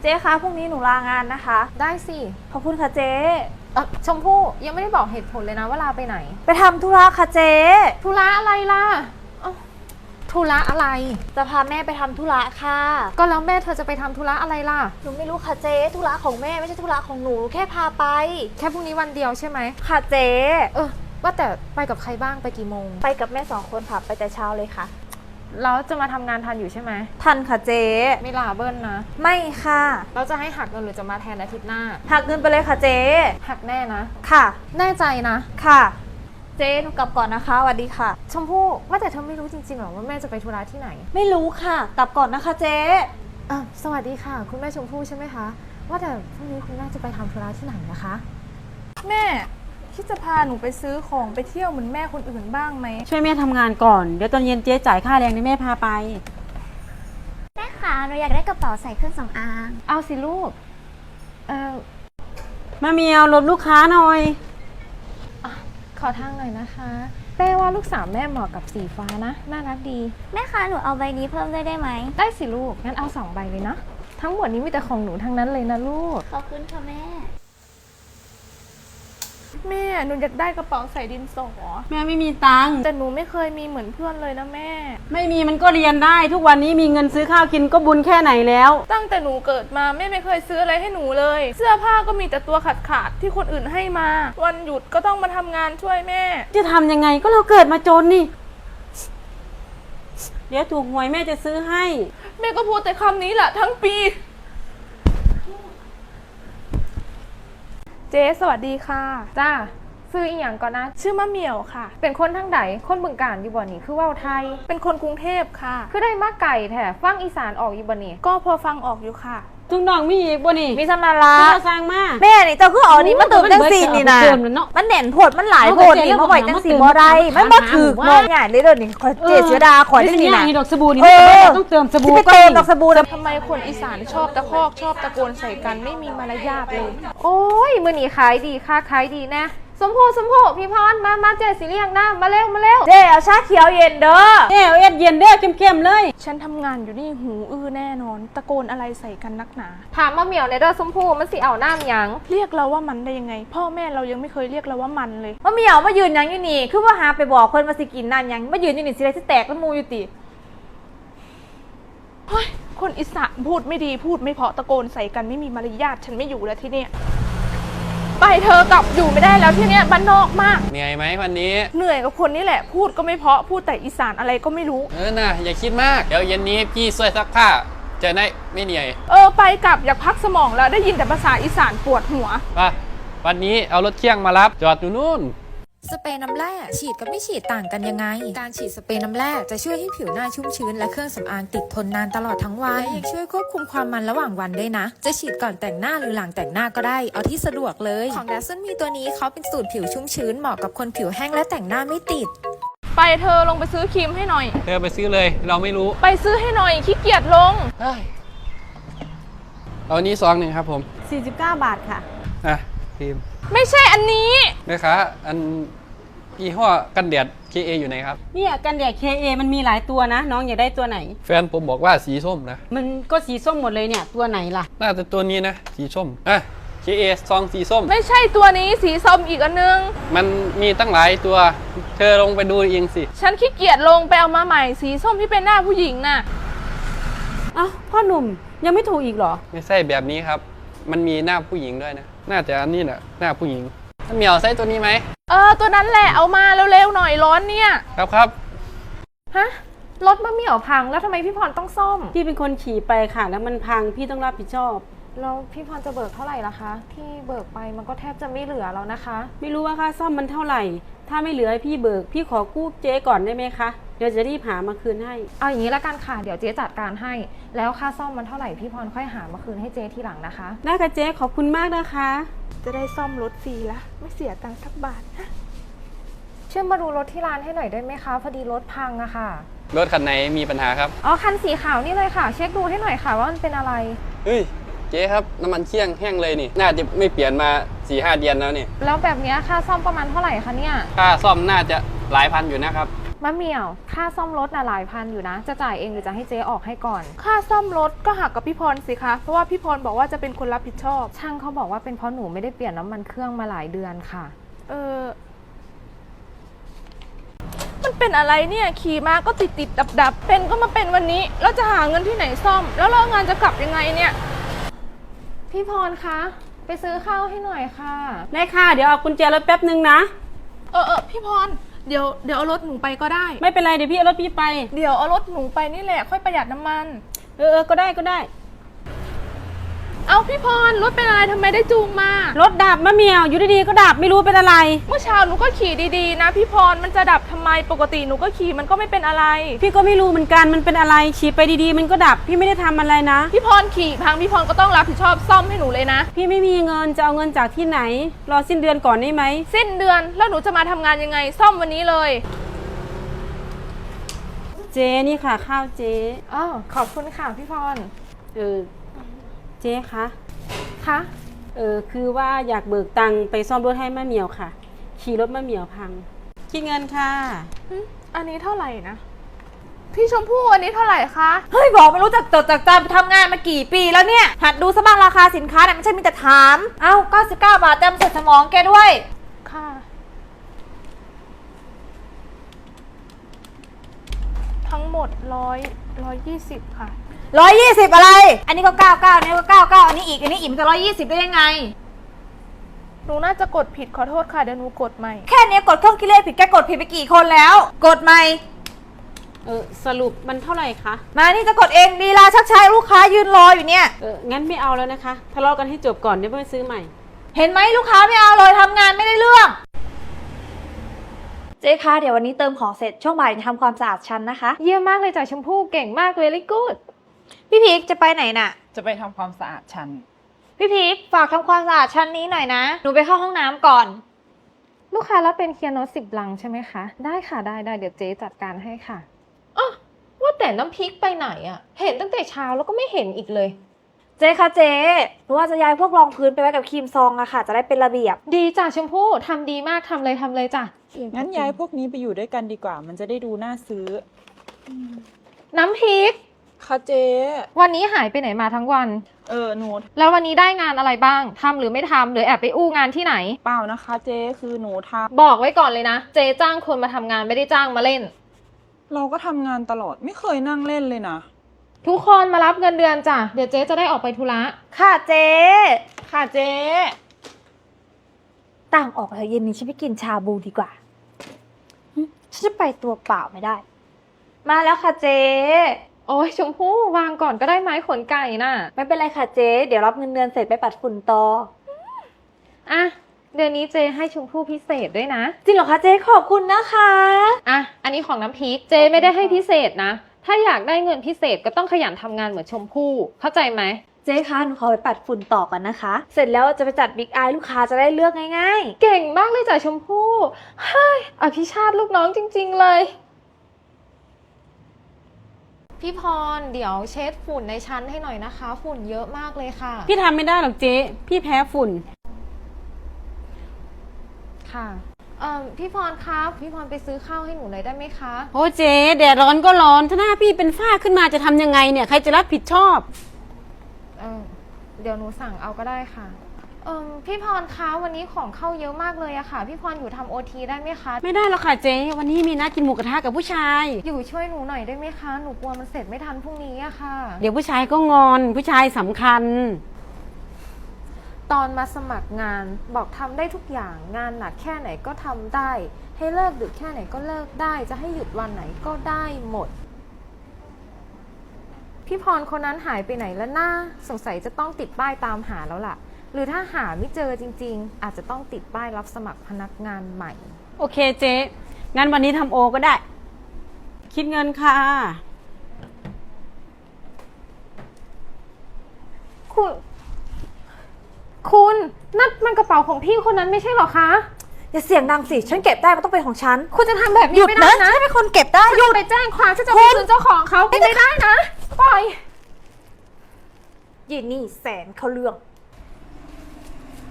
เจ๊คะพรุ่งนี้หนูลางานนะคะได้สิขอบคุณค่ะเจ๊ชมพู่ยังไม่ได้บอกเหตุผลเลยนะว่าลาไปไหนไปทำธุระค่ะเจ๊ธุระอะไรล่ะธุระอะไรจะพาแม่ไปทำธุระค่ะก็แล้วแม่เธอจะไปทำธุระอะไรล่ะหนูไม่รู้ค่ะเจ๊ธุระของแม่ไม่ใช่ธุระของหนูแค่พาไปแค่พรุ่งนี้วันเดียวใช่ไหมค่ะเจ๊ว่าแต่ไปกับใครบ้างไปกี่โมงไปกับแม่2 คนค่ะไปแต่เช้าเลยค่ะแล้วจะมาทำงานทันอยู่ใช่ไหมทันค่ะเจ๊ไม่ลาเบิ้ลนะไม่ค่ะเราจะให้หักเงินหรือจะมาแทนอาทิตย์หน้าหักเงินไปเลยค่ะเจ๊หักแน่นะค่ะแน่ใจนะค่ะเจ๊หนูกลับก่อนนะคะสวัสดีค่ะชมพู่ว่าแต่เธอไม่รู้จริงๆหรอว่าแม่จะไปธุระที่ไหนไม่รู้ค่ะกลับก่อนนะคะเจ๊สวัสดีค่ะคุณแม่ชมพู่ใช่ไหมคะว่าแต่พรุ่งนี้คุณแม่จะไปทำธุระที่ไหนนะคะแม่คิดจะพาหนูไปซื้อของไปเที่ยวเหมือนแม่คนอื่นบ้างไหมช่วยแม่ทำงานก่อนเดี๋ยวตอนเย็นเจ๊จ่ายค่าแรงให้แม่พาไปแม่คะหนูอยากได้กระเป๋าใส่เครื่องสำอางเอาสิลูกมาเมียวรบลูกค้าหน่อยขอทางหน่อยนะคะแม่ว่าลูกสาวแม่เหมาะกับสีฟ้านะน่ารักดีแม่คะหนูเอาใบนี้เพิ่มได้ไหมได้สิลูกงั้นเอา2 ใบเลยนะทั้งหมดนี้มีแต่ของหนูทั้งนั้นเลยนะลูกขอบคุณค่ะแม่หนูอยากได้กระเป๋าใส่ดินสอแม่ไม่มีตังค์แต่หนูไม่เคยมีเหมือนเพื่อนเลยนะแม่ไม่มีมันก็เรียนได้ทุกวันนี้มีเงินซื้อข้าวกินก็บุญแค่ไหนแล้วตั้งแต่หนูเกิดมาแม่ไม่เคยซื้ออะไรให้หนูเลยเสื้อผ้าก็มีแต่ตัวขาดที่คนอื่นให้มาวันหยุดก็ต้องมาทำงานช่วยแม่จะทำยังไงก็เราเกิดมาจนนี่เดี๋ยวถูกหวยแม่จะซื้อให้แม่ก็พูดแต่คำนี้แหละทั้งปีเจ๊สวัสดีค่ะจ้าซื้ออีกอย่างก่อนนะชื่อมะเหมี่ยวค่ะเป็นคนทั้งใดคนบึงกาฬอยู่บ่นี่คือว่าวไทยเป็นคนกรุงเทพค่ะคือได้มาไก่แถฟังอีสานออกอยู่บ่นี่ก็พอฟังออกอยู่ค่ะทุกน้องมีอีกบ่นี่มีสมาระสร้างมาแม่นี่เจ้าคือเอานี่มาเติมจังสีนี่นะมันเด่นโพดมันหลายโพดนี่มาไว้จังสีบ่ได้มันบ่ถือมองง่ายเลยเดี๋ยวนี้ขอเจเสียดาขอจังนี่นะดอกสบู่นี่ต้องเติมสบู่ก็ดอกสบู่ทำไมคนอีสานชอบตะคอกชอบตะโกนใส่กันไม่มีมารยาทเลยโอ้ยมื้อนี้ขายดีค่ะขายดีนะสมพู่พี่พรมาเจ๊สิเลี้ยงน้ำมาเร็วเจ๊เอาชาเขียวเย็นเด้อเจ๊เอาเย็นเด้อเข้มๆเลยฉันทำงานอยู่นี่หูอื้อแน่นอนตะโกนอะไรใส่กันนักหนาถามมาเหมียวในเด้อสมพู่มันสิเอาน้ำยังเรียกเราว่ามันได้ยังไงพ่อแม่เรายังไม่เคยเรียกเราว่ามันเลยมาเหมียวมายืนยังอยู่นี่คือว่าหาไปบอกเพิ่นมาสิกินน้ำยังมายืนอยู่นี่สิได้สิแตกแล้วมูอยู่ติเฮ้ยคนอีสานพูดไม่ดีพูดไม่เพาะตะโกนใส่กันไม่มีมารยาทฉันไม่อยู่แล้วที่เนี่ยไปเธอกลับอยู่ไม่ได้แล้วที่เนี้ยบ้านนอกมากเหนื่อยไหมวันนี้เหนื่อยกับคนนี่แหละพูดก็ไม่เพาะพูดแต่อีสานอะไรก็ไม่รู้น่ะอย่าคิดมากเดี๋ยวเย็นนี้พี่ช่วยซักผ้าจะได้ไม่เหนื่อยไปกลับอยากพักสมองแล้วได้ยินแต่ภาษาอีสานปวดหัวป่ะวันนี้เอารถเคี่ยงมารับจอดอยู่นู่นสเปรย์น้ำแร่ฉีดกับไม่ฉีดต่างกันยังไงการฉีดสเปรย์น้ำแร่จะช่วยให้ผิวหน้าชุ่มชื้นและเครื่องสำอางติดทนนานตลอดทั้งวันและยังช่วยควบคุมความมันระหว่างวันด้วยนะจะฉีดก่อนแต่งหน้าหรือหลังแต่งหน้าก็ได้เอาที่สะดวกเลยของแดซนมีตัวนี้เขาเป็นสูตรผิวชุ่มชื้นเหมาะกับคนผิวแห้งและแต่งหน้าไม่ติดไปเธอลงไปซื้อครีมให้หน่อยเธอไปซื้อเลยเราไม่รู้ไปซื้อให้หน่อยขี้เกียจลงเอานี้ซองหนึ่งครับผม 49 บาทค่ะครีมไม่ใช่อันนี้แม่ค้าอันยี่ห้อกันแดด KA อยู่ไหนครับเนี่ยกันแดด KA มันมีหลายตัวนะน้องอยากได้ตัวไหนแฟนผมบอกว่าสีส้มนะมันก็สีส้มหมดเลยเนี่ยตัวไหนล่ะน่าจะตัวนี้นะสีส้มKA ซองสีส้มไม่ใช่ตัวนี้สีส้มอีกอันนึงมันมีตั้งหลายตัวเธอลงไปดูเองสิฉันขี้เกียจลงไปเอามาใหม่สีส้มที่เป็นหน้าผู้หญิงน่ะพ่อหนุ่มยังไม่ถูกอีกเหรอไม่ใช่แบบนี้ครับมันมีหน้าผู้หญิงด้วยนะน่าจะอันนี้แหละหน้าผู้หญิงเหมียวใส่ตัวนี้ไหมตัวนั้นแหละเอามาเร็วๆหน่อยร้อนเนี่ยครับฮะรถมะเหมี่ยวพังแล้วทำไมพี่พรต้องซ่อมพี่เป็นคนขี่ไปค่ะแล้วมันพังพี่ต้องรับผิดชอบแล้วพี่พรจะเบิกเท่าไหร่ล่ะคะที่เบิกไปมันก็แทบจะไม่เหลือแล้วนะคะไม่รู้ว่าค่าซ่อมมันเท่าไหร่ถ้าไม่เหลือให้พี่เบิกพี่ขอกู้เจ๊ก่อนได้ไหมคะเดี๋ยวจะรีบหามาคืนให้เอาอย่างนี้ละกันค่ะเดี๋ยวเจ๊จัดการให้แล้วค่าซ่อมมันเท่าไหร่พี่พรค่อยหามาคืนให้เจ๊ทีหลังนะคะได้ค่ะเจ๊ขอบคุณมากนะคะจะได้ซ่อมรถฟรีละไม่เสียตังค์สักบาทช่วยมาดูรถที่ร้านให้หน่อยได้ไหมคะพอดีรถพังอะค่ะรถคันไหนมีปัญหาครับคันสีขาวนี่เลยค่ะเช็คดูให้หน่อยค่ะว่ามันเป็นอะไรเฮ้ยเจ๊ครับน้ำมันเคี่ยงแห้งเลยนี่น่าจะไม่เปลี่ยนมา 4-5 เดือนแล้วนี่แล้วแบบนี้ค่าซ่อมประมาณเท่าไหร่คะเนี่ยค่าซ่อมน่าจะหลายพันอยู่นะครับมะเหมี่ยวค่าซ่อมรถน่ะหลายพันอยู่นะ จะจ่ายเองหรือจะให้เจ๊ออกให้ก่อนค่าซ่อมรถก็หักกับพี่พรสิคะ เพราะว่าพี่พรบอกว่าจะเป็นคนรับผิดชอบช่างเขาบอกว่าเป็นเพราะหนูไม่ได้เปลี่ยนน้ำมันเครื่องมาหลายเดือนค่ะมันเป็นอะไรเนี่ย ขี่มาก็ติดดับเป็นก็มาเป็นวันนี้ แล้วจะหาเงินที่ไหนซ่อม แล้วเลิกงานจะกลับยังไงเนี่ยพี่พรคะไปซื้อข้าวให้หน่อยค่ะได้ค่ะ เดี๋ยวเอากุญแจรถแป๊บนึงนะพี่พร เดี๋ยวเอารถหนูไปก็ได้ไม่เป็นไรเดี๋ยวพี่เอารถพี่ไปเดี๋ยวเอารถหนูไปนี่แหละ ค่อยประหยัดน้ำมันก็ได้ก็ได้เอาพี่พร รถเป็นอะไรทำไมได้จูงมารถดับมะเหมียวอยู่ดีๆก็ดับไม่รู้เป็นอะไรเมื่อเช้าหนูก็ขี่ดีๆนะพี่พร มันจะดับทำไม ปกติหนูก็ขี่มันก็ไม่เป็นอะไรพี่ก็ไม่รู้เหมือนกันมันเป็นอะไรขี่ไปดีๆมันก็ดับพี่ไม่ได้ทำอะไรนะพี่พรขี่พังพี่พรก็ต้องรับผิดชอบซ่อมให้หนูเลยนะพี่ไม่มีเงินจะเอาเงินจากที่ไหน รอสิ้นเดือนก่อนได้ไหมสิ้นเดือนแล้วหนูจะมาทำงานยังไง ซ่อมวันนี้เลยเจ๊นี่ค่ะข้าวเจ๊อ้าวขอบคุณค่ะพี่พรเจ๊คะคะคือว่าอยากเบิกตังค์ไปซ่อมรถให้มะเหมียวค่ะ ขี่รถมะเหมียวพังคิดเงินค่ะอันนี้เท่าไหร่นะ พี่ชมพู่อันนี้เท่าไหร่คะเฮ้ยบอกไม่รู้จักจดจักจำทำงานมากี่ปีแล้วเนี่ย หัดดูซะบ้างราคาสินค้าเนี่ยไม่ใช่มีแต่ถาม เอ้า99 บาทเต็มเสร็จสมองแกด้วยค่ะ ทั้งหมด120ค่ะ 120 อะไร อันนี้ก็ 99อันนี้ก็ 99อันนี้อีก อันนี้อีกมันจะ120ได้ยังไงหนูน่าจะกดผิดขอโทษค่ะเดี๋ยวหนูกดใหม่แค่นี้กดเครื่องคิดเลขผิดแกกดผิดไปกี่คนแล้ว กดใหม่สรุปมันเท่าไหร่คะมานี่จะกดเองลีลาชักช้าลูกค้ายืนรออยู่เนี่ยงั้นไม่เอาแล้วนะคะทะเลาะกันให้จบก่อนเดี๋ยวไปซื้อใหม่เห็นไหมลูกค้าไม่เอาเลยทำงานไม่ได้เรื่อง เจ๊คะเดี๋ยววันนี้เติมของเสร็จช่วงบ่ายจะทำความสะอาดชั้นนะคะเยี่ยมมากเลยจ้ะชมพู่เก่งมากเลยลิกูดพี่พีคจะไปไหนน่ะจะไปทำความสะอาดชั้นพี่พีคฝากทำความสะอาดชั้นนี้หน่อยนะ หนูไปเข้าห้องน้ำก่อนลูกค้ารับเป็นเคียร์โนต10 ลังใช่ไหมคะ ได้ค่ะได้เดี๋ยวเจ๊จัดการให้ค่ะว่าแต่น้ำพริกไปไหนอะเห็นตั้งแต่เช้าแล้วก็ไม่เห็นอีกเลยเจ๊คะเจ๊หนูว่าจะย้ายพวกรองพื้นไปไว้กับครีมซองอะค่ะ จะได้เป็นระเบียบดีจ้ะชมพู่ทำดีมากทำเลยจ้ะงั้นย้ายพวกนี้ไปอยู่ด้วยกันดีกว่า มันจะได้ดูน่าซื้อน้ำพริกค่ะเจ๊วันนี้หายไปไหนมาทั้งวันหนูแล้ววันนี้ได้งานอะไรบ้างทำหรือไม่ทำหรือแอบไปอู้งานที่ไหนเปล่านะคะเจ๊คือหนูทบอกไว้ก่อนเลยนะ เจ๊จ้างคนมาทำงานไม่ได้จ้างมาเล่นำเราก็ทำงานตลอดไม่เคยนั่งเล่นเลยนะทุกคนมารับเงินเดือนจ้ะเดี๋ยวเจ๊จะได้ออกไปธุระค่ะเจ๊ค่ะเจ๊ต่างออกเถอะเย็นนี้ฉันไปกินชาบูดีกว่าฉันจะไปตัวเปล่าไม่ได้ มาแล้วค่ะเจ๊โอ้ยชมพู่วางก่อนก็ได้ไหมขนไก่น่ะไม่เป็นไรค่ะเจ๊เดี๋ยวรับเงินเดือนเสร็จไปปัดฝุ่นต่ออ่ะเดือนนี้เจ๊ให้ชมพู่พิเศษด้วยนะจริงเหรอคะเจ๊ขอบคุณนะคะอ่ะอันนี้ของน้ำพริกเจ๊ไม่ได้ให้พิเศษนะ ถ้าอยากได้เงินพิเศษก็ต้องขยันทำงานเหมือนชมพู่เข้าใจไหมเจ๊คะหนูขอไปปัดฝุ่นต่อก่อนนะคะ เสร็จแล้วจะไปจัดบิ๊กไอลูกค้าจะได้เลือกง่ายๆเก่งมากเลยจ้ะชมพู่เฮ้ยอภิชาติลูกน้องจริงๆเลยพี่พรเดี๋ยวเช็ดฝุ่นในชั้นให้หน่อยนะคะ ฝุ่นเยอะมากเลยค่ะพี่ทำไม่ได้หรอกเจ๊พี่แพ้ฝุ่นค่ะพี่พรครับพี่พรไปซื้อข้าวให้หนูหน่อยได้ไหมคะโอ้เจ๊แดดร้อนก็ร้อนถ้าหน้าพี่เป็นฝ้าขึ้นมาจะทำยังไงเนี่ยใครจะรับผิดชอบเดี๋ยวหนูสั่งเอาก็ได้ค่ะพี่พรคะวันนี้ของเข้าเยอะมากเลยอะค่ะพี่พรอยู่ทำโอทีได้ไหมคะไม่ได้หรอกค่ะเจ๊วันนี้มีนัดกินหมูกระทะกับผู้ชายอยู่ช่วยหนูหน่อยได้ไหมคะหนูกลัวมันเสร็จไม่ทันพรุ่งนี้อะค่ะเดี๋ยวผู้ชายก็งอนผู้ชายสำคัญตอนมาสมัครงานบอกทำได้ทุกอย่างงานหนักแค่ไหนก็ทำได้ ให้เลิกดึกแค่ไหนก็เลิกได้จะให้หยุดวันไหนก็ได้หมดพี่พรคนนั้นหายไปไหนแล้วน่าสงสัยจะต้องติดป้ายตามหาแล้วล่ะหรือถ้าหาไม่เจอจริงๆอาจจะต้องติดป้ายรับสมัครพนักงานใหม่โอเคเจ๊งั้นวันนี้ทำโอก็ได้ คิดเงินค่ะคุณนั่นมันกระเป๋าของพี่คนนั้นไม่ใช่หรอคะอย่าเสียงดังสิฉันเก็บได้มันต้องเป็นของฉันคุณจะทำแบบหนี้ยุดไม่ได้นะนะฉันเป็นคนเก็บได้ฉันหยุดจะไปแจ้งความฉันจะไปคืนเจ้าของเขาไม่ได้นะปล่อยยีนี่แสนเขาเรื่อง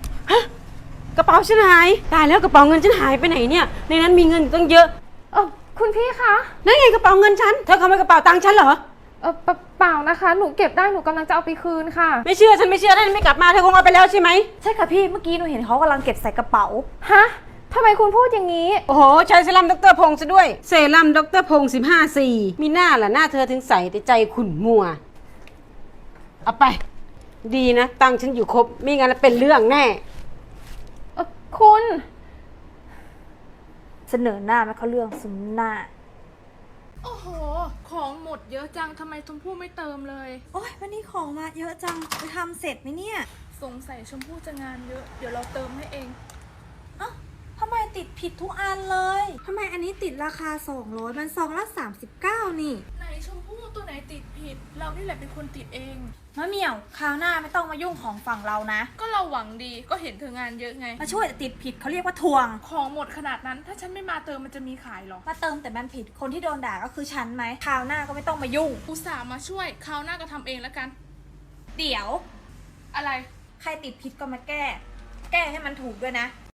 กระเป๋าฉันหายตายแล้วกระเป๋าเงินฉันหายไปไหนเนี่ยในนั้นมีเงินอยู่ตั้งเยอะคุณพี่คะนั่นไงกระเป๋าเงินฉัน เธอขโมยกระเป๋าตังค์ฉันเหรอเปล่านะคะ หนูเก็บได้ หนูกำลังจะเอาไปคืนค่ะไม่เชื่อฉันไม่เชื่อได้ไม่กลับมาเธอคงเอาไปแล้วใช่ไหมใช่ค่ะพี่ เมื่อกี้หนูเห็นเขากำลังเก็บใส่กระเป๋าฮะทำไมคุณพูดอย่างนี้โอ้โหใช้เซรั่มดรพงษ์ซะด้วย เซรั่มดรพงษ์15 มีหน้าล่ะหน้าเธอถึงใสแต่ใจขุ่นมัว เอาไป ดีนะ ตังค์ฉันอยู่ครบไม่งั้นเป็นเรื่องแน่คุณเสนอหน้าไม่เข้าเรื่องซุมหน้าโอ้โห ของหมดเยอะจังทำไมชมพู่ไม่เติมเลยโอ๊ยวันนี้ของมาเยอะจังจะทำเสร็จไหมเนี่ยสงสัยชมพู่จะงานเยอะ เดี๋ยวเราเติมให้เองเอ้าทำไมติดผิดทุกอันเลยทำไมอันนี้ติดราคา200มันซองละ39นี่ไหนชมพู่ตัวไหนติดผิด เรานี่แหละเป็นคนติดเองมะเหมี่ยวคราวหน้าไม่ต้องมายุ่งของฝั่งเรานะก็เราหวังดีก็เห็นเธองานเยอะไงมาช่วยแต่ติดผิดเขาเรียกว่าทวงของหมดขนาดนั้น ถ้าฉันไม่มาเติมมันจะมีขายเหรอมาเติมแต่มันผิดคนที่โดนด่าก็คือฉันไหมคราวหน้าก็ไม่ต้องมายุ่งอุตส่าห์มาช่วยคราวหน้าก็ทำเองแล้วกันเดี๋ยวอะไรใครติดผิดก็มาแก้ แก้ให้มันถูกด้วยนะ